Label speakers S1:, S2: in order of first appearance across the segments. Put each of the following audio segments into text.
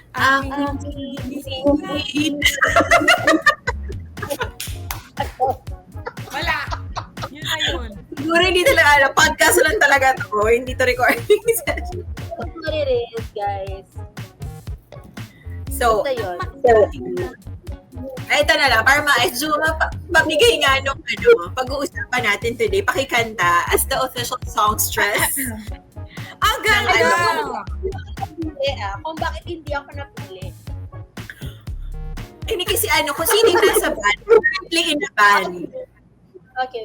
S1: Aking singit.
S2: Wala. Yun na yun.
S1: Siguro hindi talaga, podcast lang talaga to. Hindi to recording session.
S3: That's what it is, guys.
S1: So,
S3: Basta yun.
S1: ito na lang, para maayos, pamigay nga nung pag-uusapan natin today, pakikanta as the official songstress.
S2: Ang ganda!
S3: Kung bakit hindi ako napili.
S1: Hindi kasi kung sino yung nasa band, currently in a band.
S3: Okay.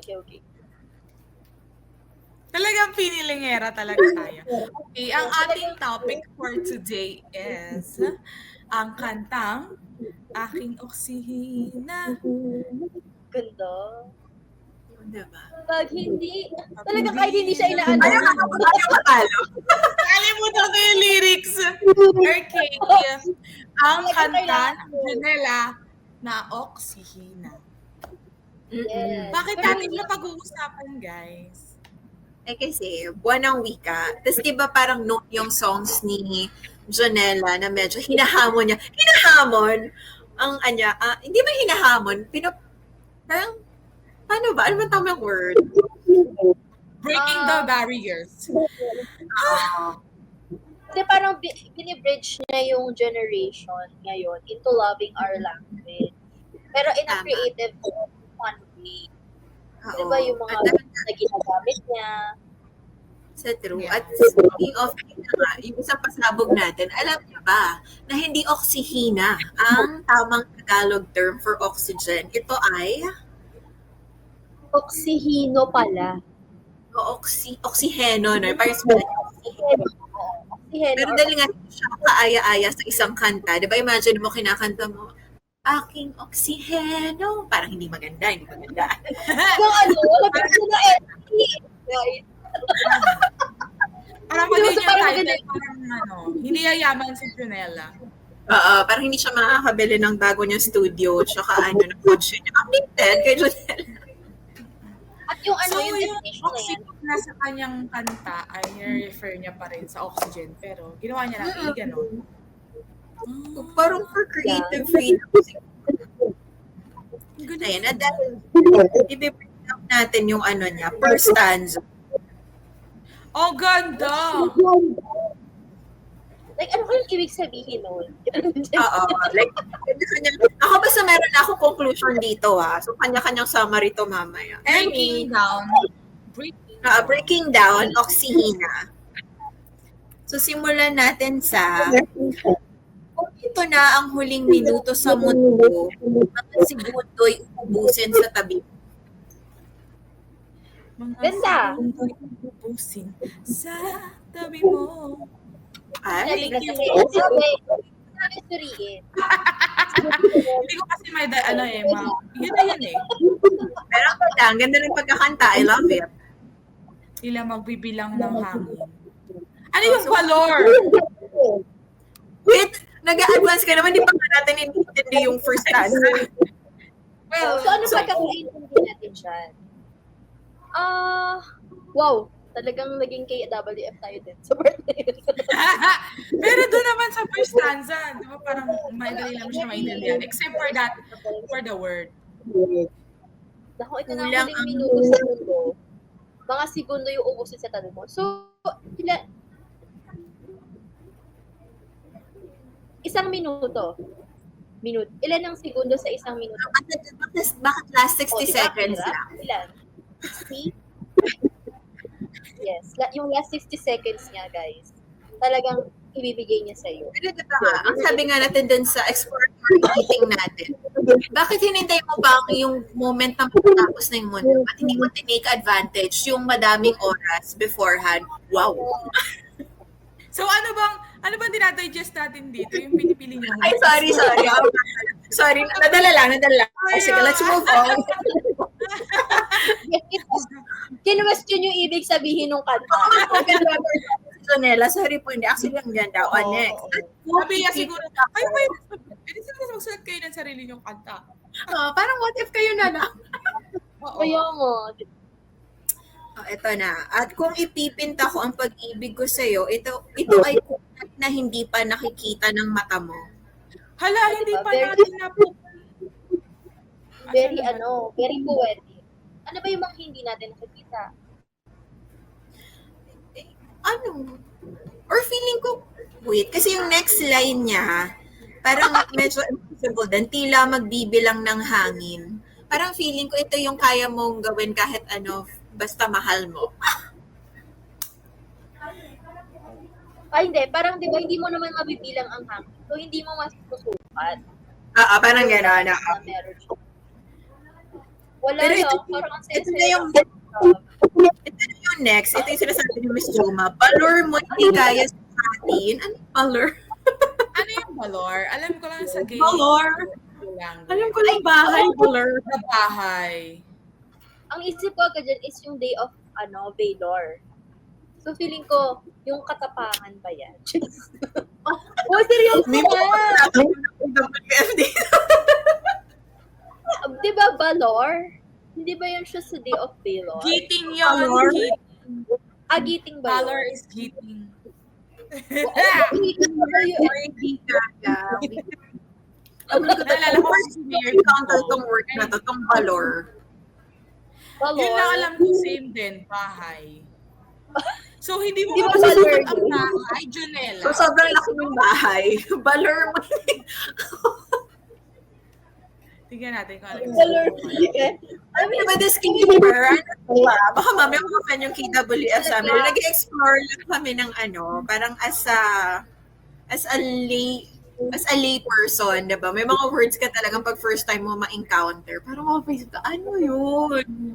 S2: Talagang pinilingera talaga tayo. Okay, ang ating topic for today is ang kantang Aking Oksihina.
S3: Ganda.
S1: Diba?
S3: Pag hindi, talaga kahit hindi siya inaano.
S1: Ayaw matalo.
S2: Kalimutan ko yung lyrics. Okay. Ang kanta ng Janela na Oksihina.
S3: Yes.
S2: Bakit natin na pag-uusapan, guys?
S1: Kasi buwan ng wika. Tapos diba parang note yung songs ni Janela na medyo hinahamon niya. Hinahamon? Ang hindi ba hinahamon? Parang, paano ba? Ano ba tamang word?
S2: Breaking the barriers.
S3: Kasi parang binibridge niya yung generation ngayon into loving our language. Pero in a creative, fun way. Diba yung mga na ginagamit niya?
S1: Sa true. At speaking of, yung isang pasabog natin, alam niyo ba na hindi oksihina ang tamang Tagalog term for oxygen? Ito ay
S3: Oksihino pala.
S1: Oksiheno, no? Parang sabihin oksiheno. Pero dahil nga siya kaaya-aya sa isang kanta, di ba imagine mo kinakanta mo, aking oksiheno. Parang hindi maganda.
S3: Yung lagyan na guys.
S2: Parang magiging title, parang hindi yayaman si Janela.
S1: Parang hindi siya makakabili ng bago niyang studio, tsaka ng kotse niya. Updated kay Janela.
S3: At yung
S2: yung
S3: definition na yan.
S2: oxygen na sa kanyang kanta ay refer niya pa rin sa oxygen, pero ginawa niya lang gano'n.
S1: Parang for creative freedom. Ayun, at dahil i-bring up natin yung niya, per stanza.
S2: Oh, ganda!
S3: Like, ano kayong ibig sabihin nun?
S1: Like, ako basta meron na akong conclusion dito So, kanya-kanyang summary to mamaya. Breaking down, oksihina. So, simulan natin sa kung ito na ang huling minuto sa mundo, mga segundo'y ubusin sa tabi.
S3: Ganda!
S2: Ubusin sa tabi mo.
S1: Ay,
S3: Thank you. Sabi suriin.
S2: Hindi ko kasi may yun na yan
S1: pero ang ganda ng pagkakanta. I love it.
S2: Sila magbibilang ng hangin. Ano yung valor?
S1: Wait, nag-a-advance ka naman, di pa natin intindi yung first stanza.
S3: Well, so ano ba kakaintindi natin dyan? Wow, talagang naging KWF tayo din sa birthday.
S2: Pero doon naman sa first stanza, di ba parang madali lang siya maintindihan. Except for the word.
S3: Naku, ito na ang huling minuto sa mundo. Mga segundo yung ubusin sa tabi mo. So, isang minuto. Ilan ang segundo sa isang minuto?
S1: Bakit last 60 seconds lang?
S3: Ilan? 60? Yes. Yung last 60 seconds niya, guys, talagang ibibigay niya sa'yo.
S1: Pero diba ang sabi nga natin dun sa exploratory meeting natin, bakit hinintay mo pa yung moment na matapos na yung mundo? At hindi mo tinake advantage yung madaming oras beforehand? Wow!
S2: So ano bang dinadigest natin dito? Yung pinipili niyo?
S1: Ay, sorry. Sorry, nadala lang. Sige, let's move on.
S3: Kinwestiyon yung ibig sabihin ng kanta.
S1: Sonela, sorry po, hindi. Actually, ang ganda. Next.
S2: Sabi niya siguro, kayo ba yun? Pwede sila magsulat kayo ng sarili niyong kanta.
S1: Parang what if kayo na lang?
S3: Kaya nga.
S1: Oh, ito na. At kung ipipinta ko ang pag-ibig ko sa'yo, ito ay kulay na hindi pa nakikita ng mata mo.
S2: Hala,
S3: Ah,
S2: hindi
S3: diba?
S2: pa
S3: Very-
S2: natin na po.
S3: Very very poetic. Ano ba yung mga hindi natin nakikita?
S1: Ano? Or feeling ko, wait, kasi yung next line niya, parang medyo impossible din. Tila magbibilang ng hangin. Parang feeling ko ito yung kaya mong gawin kahit ano, basta mahal mo.
S3: Hindi. Parang, di ba, hindi mo naman mabibilang ang hangin. So, hindi mo masusukat
S1: Parang gano'n.
S3: na meron siya. Wala
S1: Pero
S3: lang.
S1: ito-
S3: Parang ang
S1: ito
S3: sense
S1: na yung- Ito na yung next. Ito yung sinasabi ni Miss Joma. Balor mo hindi kaya sa atin. Ano yung balor?
S2: Ano yung balor? Alam ko lang sa gay.
S1: Balor? Alam ko lang bahay, balor.
S2: Sa bahay.
S3: Ang isip ko agad dyan is yung day of, Valor. So, feeling ko, yung katapangan ba yan? Seryoso?
S1: May mga WFD.
S3: Di ba, Valor? Hindi ba yun siya sa day of Valor?
S2: Giting yun.
S1: Balor?
S2: Giting.
S3: Giting ba
S2: Valor
S3: yun?
S2: is giting.
S3: Giting ba yun?
S1: Hindi kaya.
S2: Naalala ko si Mayor
S1: Encounter
S2: Kiko.
S1: tong work na to, tong balor.
S3: Valor?
S2: Yun lang alam ko, same din, bahay. So, hindi mo
S3: Di ba
S2: masusukat
S3: Valor
S2: ang
S3: yun?
S2: bahay, Junella.
S1: So, sobrang laki ng bahay. Balor mo.
S2: Tingnan natin kung ano yung
S3: Valor.
S1: I mean, with this keeper, ano ba? Baka mamaya mag-fan yung KWS sa amin. Nag-explore lang kami ng ano, parang as a lay person, diba? May mga words ka talagang pag first time mo ma-encounter. Parang face ka, ano yun?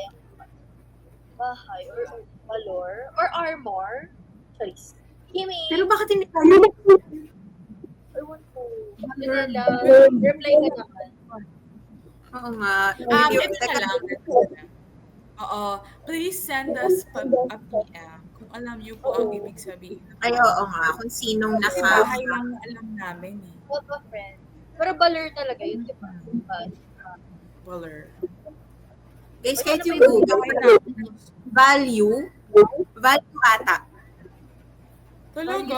S3: Bahay or Valor or Armor. Choice. Kimi.
S1: Pero bakit hindi kaya?
S3: Ewan ko. Junella. Reply ka naman.
S1: Oo nga.
S2: Ito na lang. Oo. Please send us a PM kung alam niyo po ang ibig sabihin.
S1: Ay, oo nga. Kung sinong
S2: Kasi
S1: naka...
S2: bahay lang na alam namin eh.
S3: What a friend. Pero Valor talaga yun, di ba?
S2: Baller.
S1: Guys, kahit yung Google, value ata.
S2: Talaga?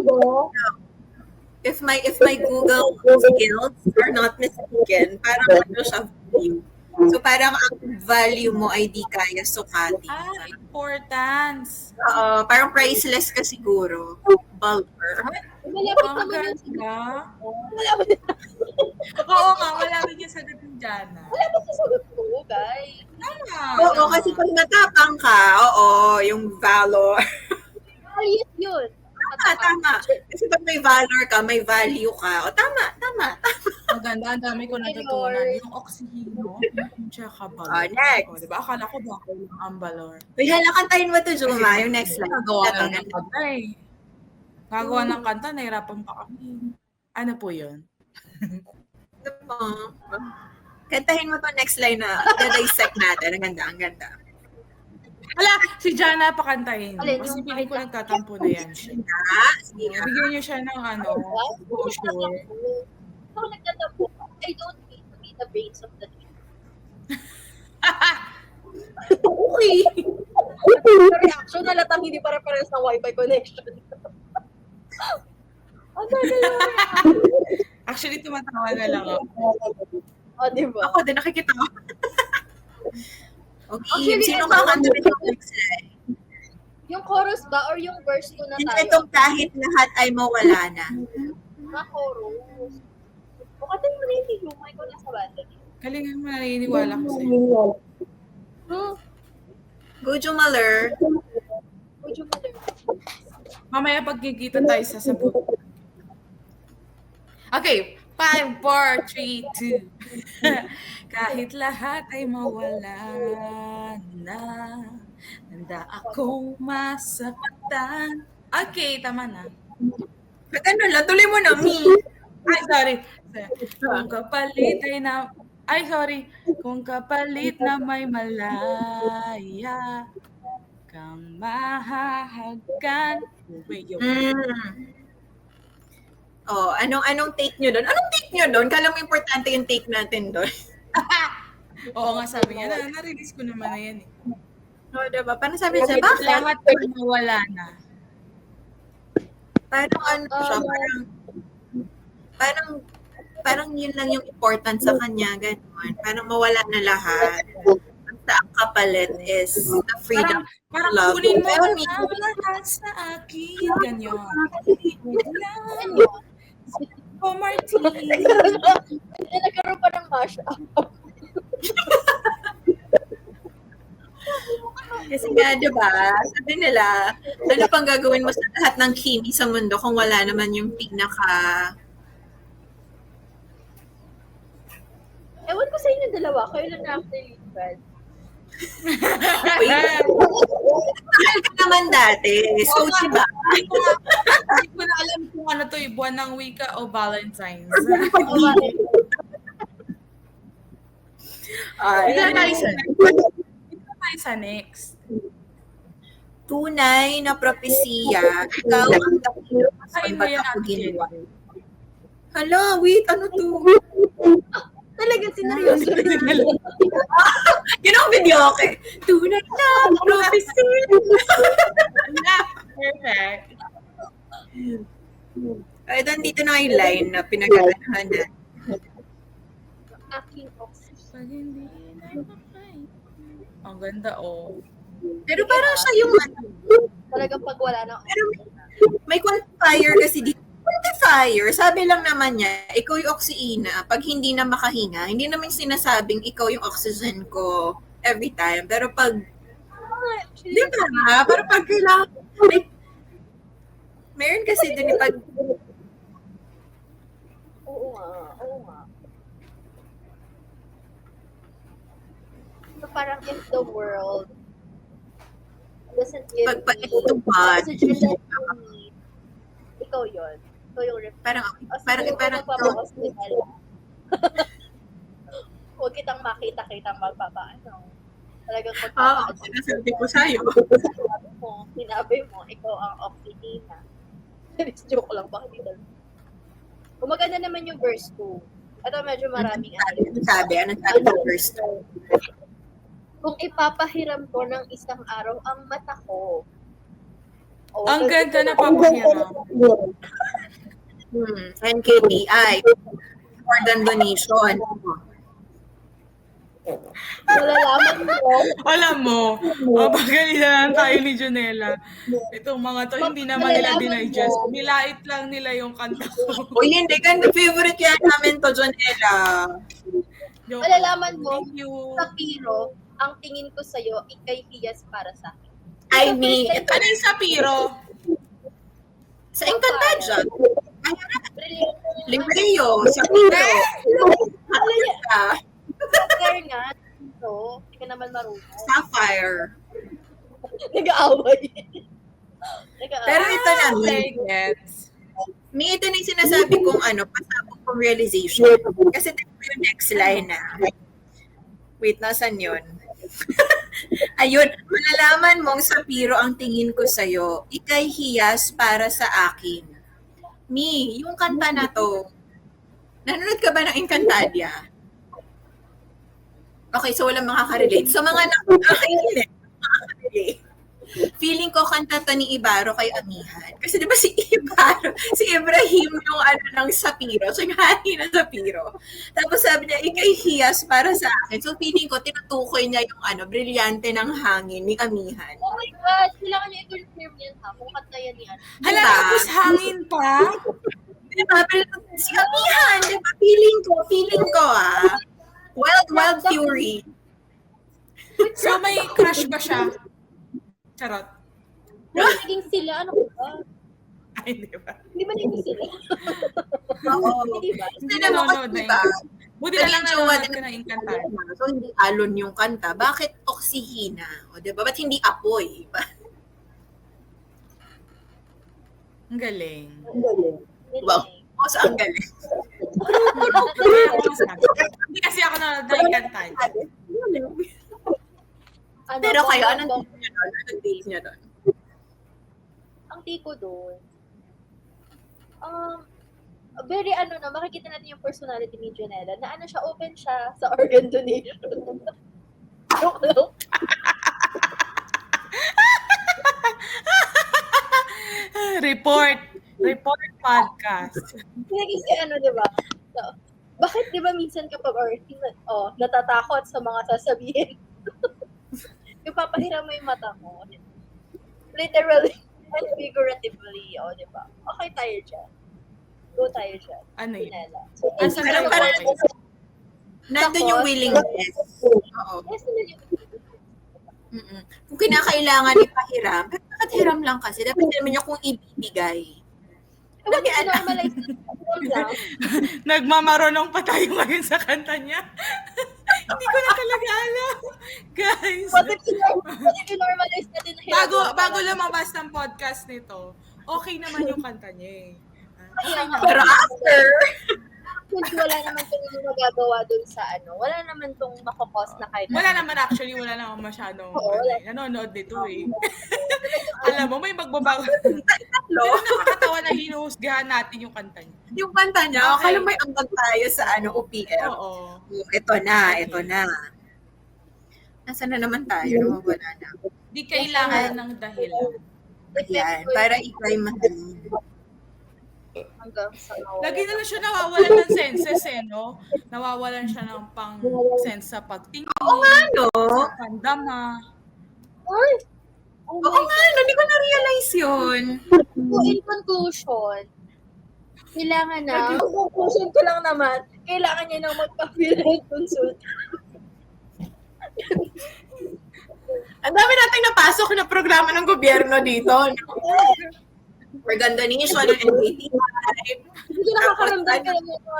S1: If my Google skills are not mistaken, parang ano siya value. So parang ang value mo ay di kaya sukatin.
S2: Importance.
S1: Oo, parang priceless ka siguro. Bulber.
S3: Malapit
S2: Ang
S3: naman yun.
S2: ganda.
S3: Malapit
S2: Oo nga, malapit yung sagot ng Jana.
S3: sa sagot ko, guys.
S2: Tama.
S1: Oo, kasi pag matapang ka, oo, yung valor.
S3: Ayos yun.
S1: Tama. Kasi pag may valor ka, may value ka. O tama.
S2: Ang ganda, ang dami ko natutunan. Yung oxyhino, tsaka balor.
S1: Next.
S2: O, diba? Akala ko ba lang ang balor.
S1: Uy, hala, kantahin mo to, Juma, yung next line.
S2: Gagawa ng kanta eh. Gagawa ng kanta, nahirapan pa kami. Ano po yun?
S1: Kantahin mo to next line na dissect natin. Ang ganda.
S2: Hala, si Jana pakantahin.
S3: Alin,
S2: Kasi
S3: yung
S2: piling ko nagtatampo na yan siya.
S1: Sige.
S2: Bigyan niyo siya ng brochure.
S3: Ako nagtatampo. I don't need to be the brains of the team.
S1: Okay.
S3: Sa reaction, halatang hindi pare-pares ng wifi connection. Ano na yun?
S2: Actually, tumatawa na lang ako.
S3: Di ba?
S1: Ako din nakikita ko. Okay,
S3: Actually,
S1: sino
S3: ito-
S1: kakanta yung next line?
S3: Yung chorus ba or yung verse ko na
S1: Sino
S3: tayo?
S1: itong kahit lahat ay mawala na?
S3: Na chorus. O kasi mo na hindi yung mic ko nasa banda.
S2: Kalingan mo, naniniwala ko sa'yo.
S1: Go, Jumaler.
S3: Would you mother?
S2: Mamaya pagkikita tayo sa sabot. Okay, 5, 4, 3, 2. Kahit lahat ay mawala na, handa akong masaktan. Okay, tama na.
S1: Ano lang, tuloy mo na, Mi.
S2: Ay, sorry. Kung kapalit ay na... Ay, sorry. Kung kapalit na may malaya kang mahahagkan.
S1: Oh, anong take nyo doon? Anong take nyo doon? Kala mo importante yung take natin doon.
S2: Oo nga, sabi niya. Na-release ko naman na yan eh.
S1: O, diba? Parang sabi siya, bakit?
S2: Lahat ay mawala na.
S1: Parang ano siya, parang yun lang yung important sa kanya, gano'n. Parang mawala na lahat. Basta ang kapalit is the freedom
S2: Parang
S1: love.
S2: kunin mo
S1: Pero
S2: ang lahat sa akin. Ganyan.
S3: Ano?
S2: Oh, Martin.
S3: Nagkaroon pa ng mashup.
S1: Kasi nga, di ba, sabi nila, ano pang gagawin mo sa lahat ng kimi sa mundo kung wala naman yung
S3: Ewan ko sa inyo dalawa, kayo lang na actually friends.
S1: Uy, mahal ka naman dati. So,
S2: Oo nga.
S1: diba?
S2: Hindi ko na alam kung ano to, buwan ng wika o Valentine's. Dito na tayo sa next.
S1: Tunay na propesiya, ikaw ang dakilo
S2: Kain
S1: kung
S2: mo
S1: ba't
S2: yan,
S1: ako
S2: Ate
S1: ginawa.
S2: Jen.
S1: Hala, wait, ano to?
S3: Talaga, sineryoso rin.
S1: Yun ang video, okay. Tunay na propesiya.
S2: Perfect.
S1: Ay, dito na yung line na pinagkakanahan na.
S3: Aking oxygen.
S2: Pag hindi na mapay. Ang ganda, oh.
S1: Pero parang siya yung
S3: Talagang pag wala na
S1: may quantifier kasi dito. Quantifier, sabi lang naman niya, ikaw yung oxyina. Pag hindi na makahinga, hindi naman sinasabing ikaw yung oxygen ko every time. Pero pag, di ba? Pero pag kailangan, meron kasi dun yung pag,
S3: Oo nga. So parang if the world doesn't give
S1: pag
S3: me
S1: paituman,
S3: the oxygen that I need, ikaw yun. Ikaw yung
S1: parang
S3: magpapahospital. Huwag kitang makita-kitang magpapaano. Talagang
S1: sinasabi ko sa'yo.
S3: Sinabi mo, ikaw ang oxygen. Joke lang, bakit dito? Maganda naman yung verse 2. Ito medyo maraming
S1: Anong sabi ng first?
S3: Kung ipapahiram ko ng isang araw ang mata ko.
S2: Ang ganda na papahiram.
S1: NKBI. More than donation.
S3: Malalaman mo.
S2: Alam mo, mapagalitan lang tayo ni Jonella. Itong mga to, hindi naman nila dinigest. Nilait lang nila yung kanta ko.
S1: Uy, hindi. Ganda favorite yan namin to, Jonella.
S3: Malalaman mo,
S2: Thank you.
S3: sa Piro, ang tingin ko sa'yo, ikay hiyas para sa akin.
S1: I mean,
S2: Ano yung Sapiro?
S1: sa Encantadia.
S3: Brilliant.
S1: Libreo, sa Piro.
S3: Kaya nga, ito, hindi ka naman marunong.
S1: Sapphire.
S3: Nag-aaway.
S1: Pero ito na,
S2: Gets.
S1: may ito na yung sinasabi kong pasabog kong realization. Kasi ito yung next line na. Wait, nasan yun? Ayun, malalaman mong Sapiro ang tingin ko sa'yo, ikay hiyas para sa akin. Mi, yung kanta na to, nanonood ka ba ng Encantadia? Okay, so walang makaka-relate. So mga nakaka-relate, feeling ko kanta to ni Ibaro kay Amihan. Kasi di ba si Ibaro, si Ibrahim yung ng Sapiro. So yung hani ng Sapiro. Tapos sabi niya, ikay hiyas para sa akin. So feeling ko, tinutukoy niya yung brilyante ng hangin ni Amihan.
S3: Oh my God, kailangan niyo i-confirm yan ha, kung kanta yan ni
S2: Hala, tapos hangin pa?
S1: Diba? Pero si Amihan, diba? Feeling ko Wild Fury.
S2: So may crush ba siya? Charot.
S3: Naging sila, ano ba?
S2: Ay, di ba?
S3: Hindi ba naging sila?
S1: Oo.
S3: Hindi ba?
S2: Hindi
S1: Alam mo
S2: nanonood
S1: kasi,
S2: na
S1: diba?
S2: Buti na lang
S1: Naging jowa
S2: nanonood
S1: din
S2: ka ng Encantadia.
S1: So, hindi alon yung kanta. Bakit oksihina? O, diba? Ba't hindi apoy?
S2: Ang galing.
S1: Wow. O, saan galing?
S2: Hindi kasi ako nanonood ng Encantadia.
S1: Pero kayo, anong take niyo doon?
S3: Ang take ko doon, very makikita natin yung personality ni Jonella, na siya, open siya sa organ donation. Joke lang.
S2: Report podcast.
S3: Kasi di ba? So, bakit di ba minsan kapag natatakot sa mga sasabihin, yung papahiram mo yung mata mo. Literally and figuratively, di ba? Okay tayo dyan. Go tayo dyan.
S2: Ano yun?
S3: Pinela. So,
S2: Asan
S1: Pero
S2: tayo?
S1: parang nandun yung willingness. Oo.
S3: Yes, nandun yung
S1: Mm-mm. Kung kinakailangan ipahiram, pero bakit hiram lang kasi? Dapat naman niya kung ibibigay.
S3: Dapat normalize lang.
S2: Nagmamaronong pa tayo ngayon sa kanta niya. Hindi ko na talaga alam. Guys.
S3: What if normalize natin na hiram?
S2: Bago lumabas ng podcast nito, okay naman yung kanta niya eh.
S1: Pero after,
S3: Wala naman itong magagawa dun sa wala naman itong makakos na kahit
S2: Wala naman masyadong nanonood nito eh. Alam mo, may magbabago. Pero nakakatawa na hinuhusgahan natin yung kanta niya.
S1: yung kanta niya,
S2: Okay.
S1: akala may ambag tayo sa OPM.
S2: Oo.
S1: Ito na. Nasaan na naman tayo? Wala na.
S2: Di kailangan ng dahilan.
S1: Ayan, para ikay mahalin.
S3: hanggang sa
S2: Lagi na lang siya nawawalan ng senses eh, no? Nawawalan siya ng pang-sense sa pagtingin,
S1: Oo nga, no?
S2: sa pandama.
S3: Ay!
S1: Oo nga, no? Hindi ko na-realize yun.
S3: So, in conclusion, kailangan na, conclusion ko lang naman, kailangan niya nang magpa-field consult.
S1: Ang dami nating napasok na programa ng gobyerno dito. Maganda nation ng NBT.
S3: Hindi nakakaramdam ka lang yun.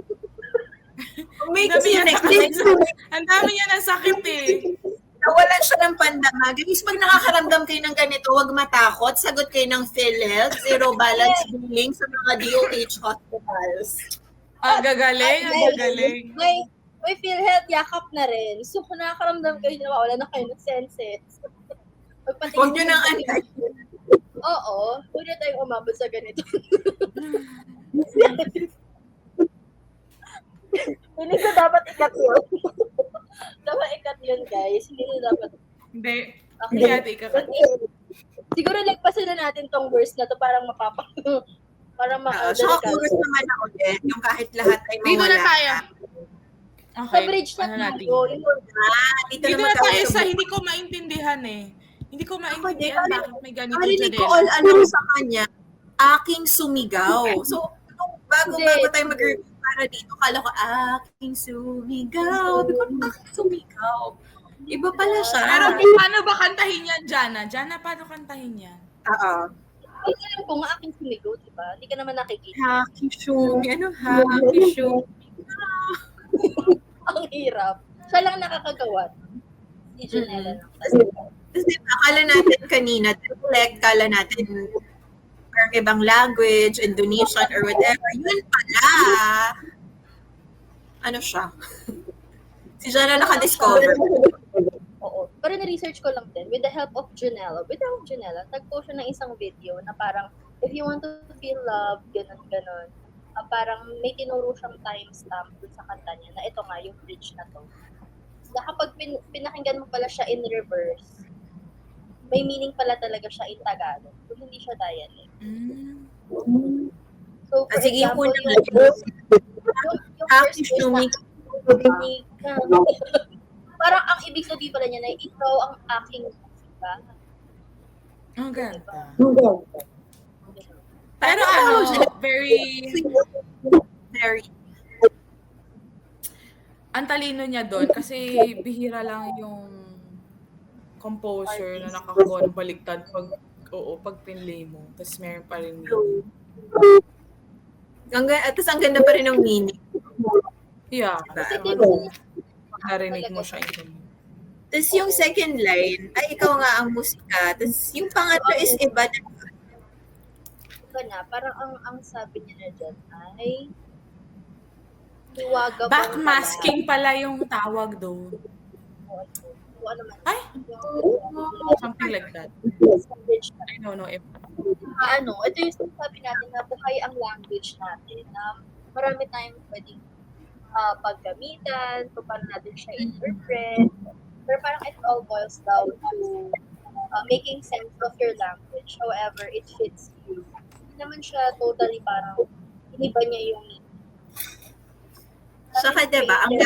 S1: May
S2: Ang dami
S1: kasi
S2: niya
S1: next
S2: ng
S1: next
S2: Ang dami niya ng sakit eh.
S1: nawalan siya ng pandama. Guys, pag nakakaramdam kayo ng ganito, huwag matakot. Sagot kayo ng PhilHealth, zero balance billing sa mga DOH hospitals.
S2: Gagaling.
S3: May PhilHealth, yakap na rin. So, kung nakakaramdam kayo na wala na kayo ng senses.
S1: Huwag nyo nang anay.
S3: Oo, huwag na tayong umabot sa ganito. Hindi ko dapat ikat yun. Dapat ikat yun, guys. Hindi ko dapat.
S2: Hindi.
S3: Okay.
S2: Hindi natin ikakat.
S3: Siguro lagpasan na natin tong verse na to parang parang
S1: Saka chorus naman na ulit, yung kahit lahat ay mawala.
S2: Dito na tayo.
S3: Sa
S2: Okay.
S3: bridge na
S2: Ano natin?
S3: tayo.
S1: Dito
S2: Dito
S1: naman
S2: na tayo
S1: tayo
S2: sa hindi ko maintindihan eh. Hindi ko maintindihan bakit may ganito
S1: Narinig ko
S2: Janela.
S1: all along sa kanya, aking sumigaw. So, bago tayo mag-review para dito, kala ko, aking sumigaw. Sabi ko, aking sumigaw. Iba pala siya.
S2: Pero paano ba kantahin yan, Jana? Jana, paano kantahin yan?
S1: Oo.
S3: Ay, alam ko nga aking sumigaw, di ba? Hindi ka naman nakikita.
S1: Aking sumigaw. Aking sumigaw.
S3: Ang hirap. Siya lang nakakagawa. Si Janela lang.
S1: Tapos diba, akala natin kanina, dialect, akala natin parang ibang language, Indonesian or whatever. Yun pala. Ano siya? Si Jana nakadiscover.
S3: Oo. Pero na-research ko lang din, with the help of Janela, tagpo siya ng isang video na parang, if you want to feel love, ganun. Parang may tinuro siyang timestamp dun sa kanta niya na ito nga, yung bridge na to. Na kapag pinakinggan mo pala siya in reverse, may meaning pala talaga siya in Tagalog. Kung hindi siya dialect. So, for
S1: Sige, yung
S3: example,
S1: una
S3: yung
S1: aking
S3: first verse
S1: sumigaw.
S3: parang ang ibig sabihin pala niya na ikaw ang aking musika.
S2: Ang ganda.
S3: Diba?
S2: Pero very, ang talino niya doon kasi bihira lang yung composer na nakakagawa ng baliktad pag pinlay mo. Tapos meron pa rin meaning.
S1: Tapos ang ganda pa rin ng meaning.
S2: Yeah.
S1: Diba?
S2: Pag narinig mo siya ito.
S1: Tapos yung second line, ay ikaw nga ang musika. Tapos yung pangatlo is iba na.
S3: Na, parang ang sabi niya na dyan ay hiwaga
S2: Backmasking pala yung tawag doon.
S3: Ano man.
S2: Ay! Something like that. I don't know if...
S3: Ito yung sabi natin na buhay ang language natin na marami tayong pwedeng paggamitan, kung paano natin siya interpret. Pero parang it all boils down to making sense of your language, however it fits you. naman siya totally parang iniba niya yung
S1: Saka diba, ang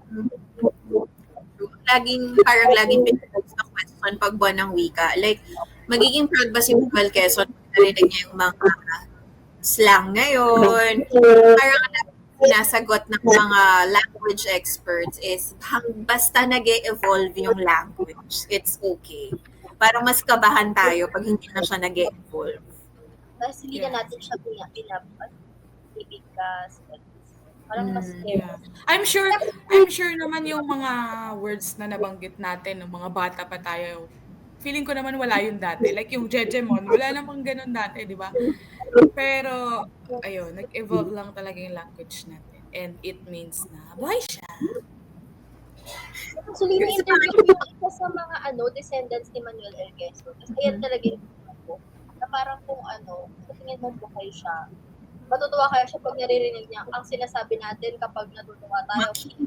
S1: laging pinag-post na question pag buwan ng wika. Like, magiging proud ba si Bumal Quezon kung narinig niya yung mga slang ngayon? Parang sinasagot ng mga language experts is basta nag-e-evolve yung language, it's okay. Parang mas kabahan tayo pag hindi na siya nag-e-evolve.
S3: Kasi hindi na natin siya ibigkas. Parang mas
S2: I'm sure naman yung mga words na nabanggit natin ng mga bata pa tayo. Feeling ko naman wala yun dati. Like yung Jejemon, wala namang ganun dati, di ba? Pero, ayun, nag-evolve lang talaga yung language natin. And it means na buhay siya.
S3: Actually, na-interview yung isa sa mga descendants ni Manuel L. Quezon. Kasi ayan talaga yung na parang kung sa tingin mo buhay siya, matutuwa kaya siya pag naririnig niya ang sinasabi natin kapag natutuwa tayo.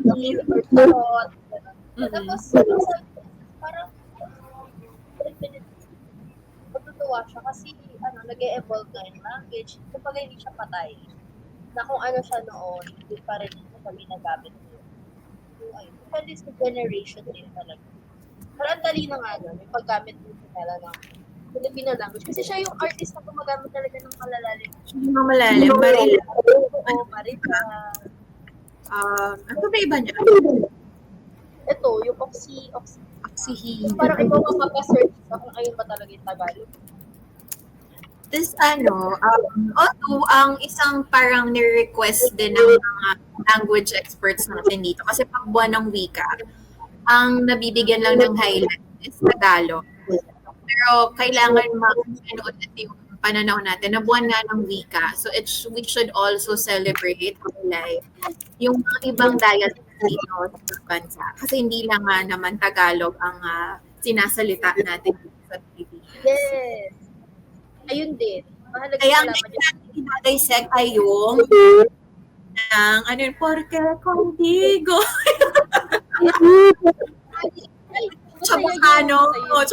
S3: Tapos, parang matutuwa siya kasi nag-e-evolve na yung language. Kapag hindi siya patay, na kung ano siya noon, hindi pa rin siya ginagamit niya. Depende sa generation din talaga. Pero ang dali na nga yung paggamit mo talaga ng Filipino language. Kasi siya yung artist na gumagamit talaga ng malalalim.
S1: Malalim. Marila.
S3: Oo, Marila.
S1: Ano ba iba niya?
S3: Ito, yung Oxy.
S1: Oxyhin.
S3: Parang ikaw ang makasearch sa kung ayun ba talaga yung Tagalog.
S1: This although ang isang parang ni-request din ng mga language experts natin dito kasi pag buwan ng wika, ang nabibigyan lang ng highlight is Tagalog. Pero kailangan mag-anood yung pananaw natin na buwan nga ng wika. So we should also celebrate like yung mga ibang dialects dito sa bansa. Kasi hindi lang nga naman Tagalog ang sinasalita natin sa Pilipinas.
S3: Yes. Ayun din. Mahalaga
S1: Kaya ang
S3: malaman
S1: natin dinadissect ay yung ng porque contigo. Chabacano.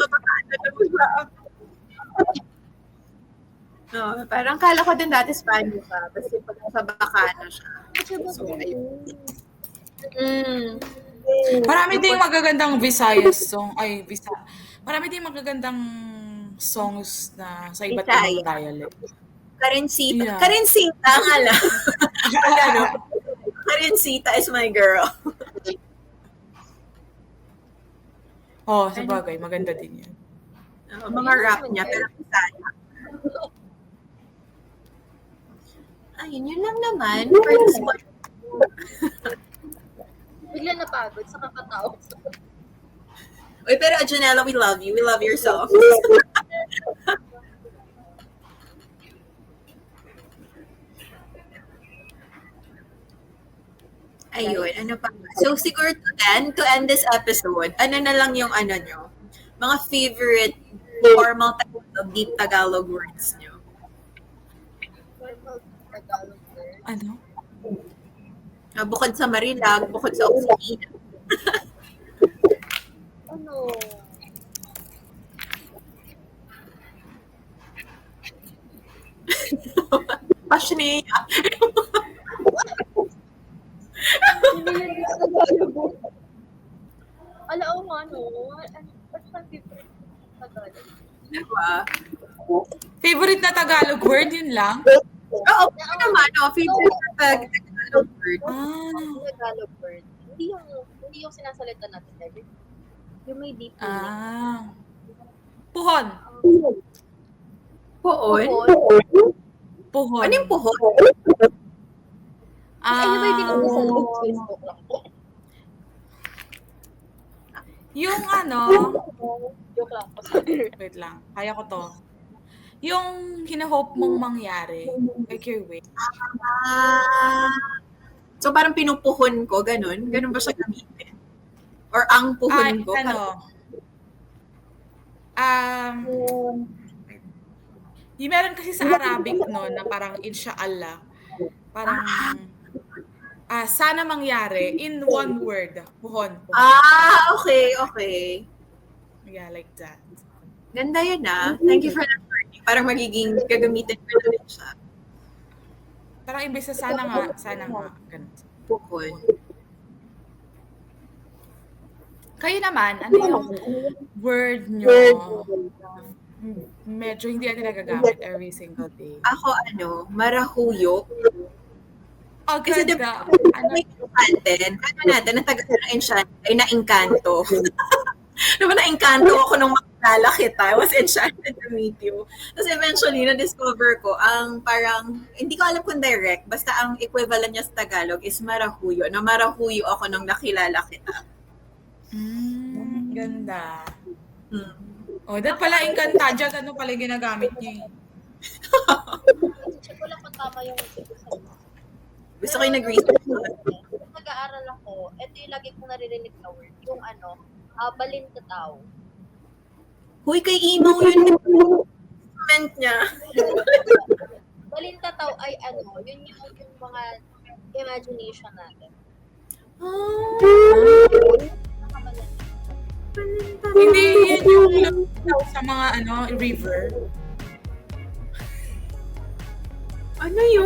S1: No, parang kala ko din dati Spanish siya. Kasi pag sa Bacano siya. So, ayun.
S2: Marami ding magagandang Visayas song. Marami ding magagandang songs na sa iba't ibang dialect.
S1: Karencita. Karencita nga lang. Karencita is my girl.
S2: Sabagay. Maganda din yan.
S1: Mga rap niya, pero Bisaya. Ayun, yun lang naman. First one.
S3: Bigla napagod sa kakatawa.
S1: Uy, pero Janela, we love you. We love your songs. Ayun, ano pa? So, siguro to end this episode, ano na lang yung nyo? Mga favorite formal Tagalog, deep Tagalog words nyo.
S3: Tagalog word.
S2: Ano?
S1: Bukod sa Marilag, bukod sa Oxygen.
S3: Ano?
S1: Passionate.
S3: Alam mo what's my favorite Tagalog?
S1: Diba?
S3: Favorite
S2: na Tagalog word, yun lang?
S1: Oo, naman. Favorite na Tagalog word.
S3: Tagalog word. Hindi yung sinasalita natin every. Yung may deep
S2: meaning. Puhon.
S1: Puhon?
S2: Puhon.
S1: Ano yung puhon?
S3: Ano ba yung tinawag sa Facebook lang?
S2: Yung
S3: Joke lang po.
S2: Wait lang. Kaya ko to. Yung hinahope mong mangyari. Like your way.
S1: So parang pinupuhon ko, ganun? Ganun ba siya gamitin? Or ang puhon ko?
S2: Yung meron kasi sa Arabic na parang insha'Allah. Parang sana mangyari in one word. Puhon.
S1: Okay.
S2: Yeah, like that.
S1: Ganda yun Thank you for that learning. Parang magiging gagamitin ko na rin siya.
S2: Parang imbes na sana nga. Ganun.
S1: Puhon.
S2: Kayo naman, ano yung word nyo medyo hindi natin nagagamit every single day?
S1: Ako, marahuyo.
S2: Oh,
S1: Kasi
S2: ganda.
S1: may enchanted. Natin, ang taga ng enchanted ay na-encanto. Diba na-encanto ako nung makilala kita. I was enchanted to meet you. Tapos eventually, na-discover ko, ang parang, hindi ko alam kung direct, basta ang equivalent niya sa Tagalog is marahuyo. Na marahuyo ako nung nakilala kita.
S2: Ganda. Oh, that pala Encantadia, ano pala yung ginagamit niya.
S3: Check ko lang kung tama yung sabi mo.
S1: Gusto ko yung nag-research.
S3: Kung nag-aaral ako, ito yung lagi kong naririnig na word, yung balintataw.
S1: Huy, kay Imo yun. Comment niya.
S3: Balintataw ay yun yung mga imagination natin.
S2: Hindi yun yung sa mga river.
S1: Ano yun?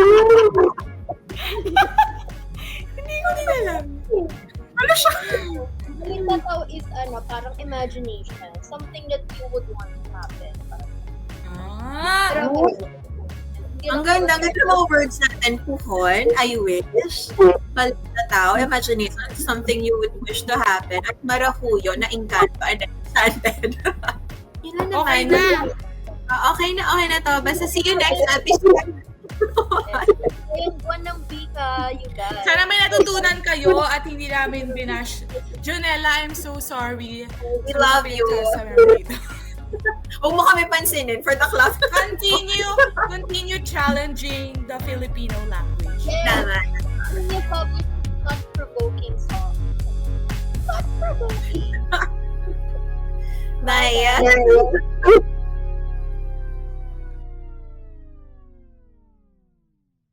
S2: Hindi ko din alam.
S1: Ano siya?
S3: Balintataw is parang imagination. Something that you would want to happen. Pero,
S1: Ang ganda ng mga words natin. Puhon, I wish. Balintataw, imagination, something you would wish to happen. At marahuyo, na engkanto, and enchanted. Yun na naman.
S2: Okay na.
S1: Okay na to. Basta see you next episode.
S3: yung buwan ng bika, you guys.
S2: Sana may natutunan kayo at hindi namin binash. Junella, I'm so sorry.
S1: We love you. Huwag mo kami pansinin for the class.
S2: Continue challenging the Filipino language.
S1: Tama.
S3: Can you publish thought-provoking song? Thought-provoking.
S1: Bye.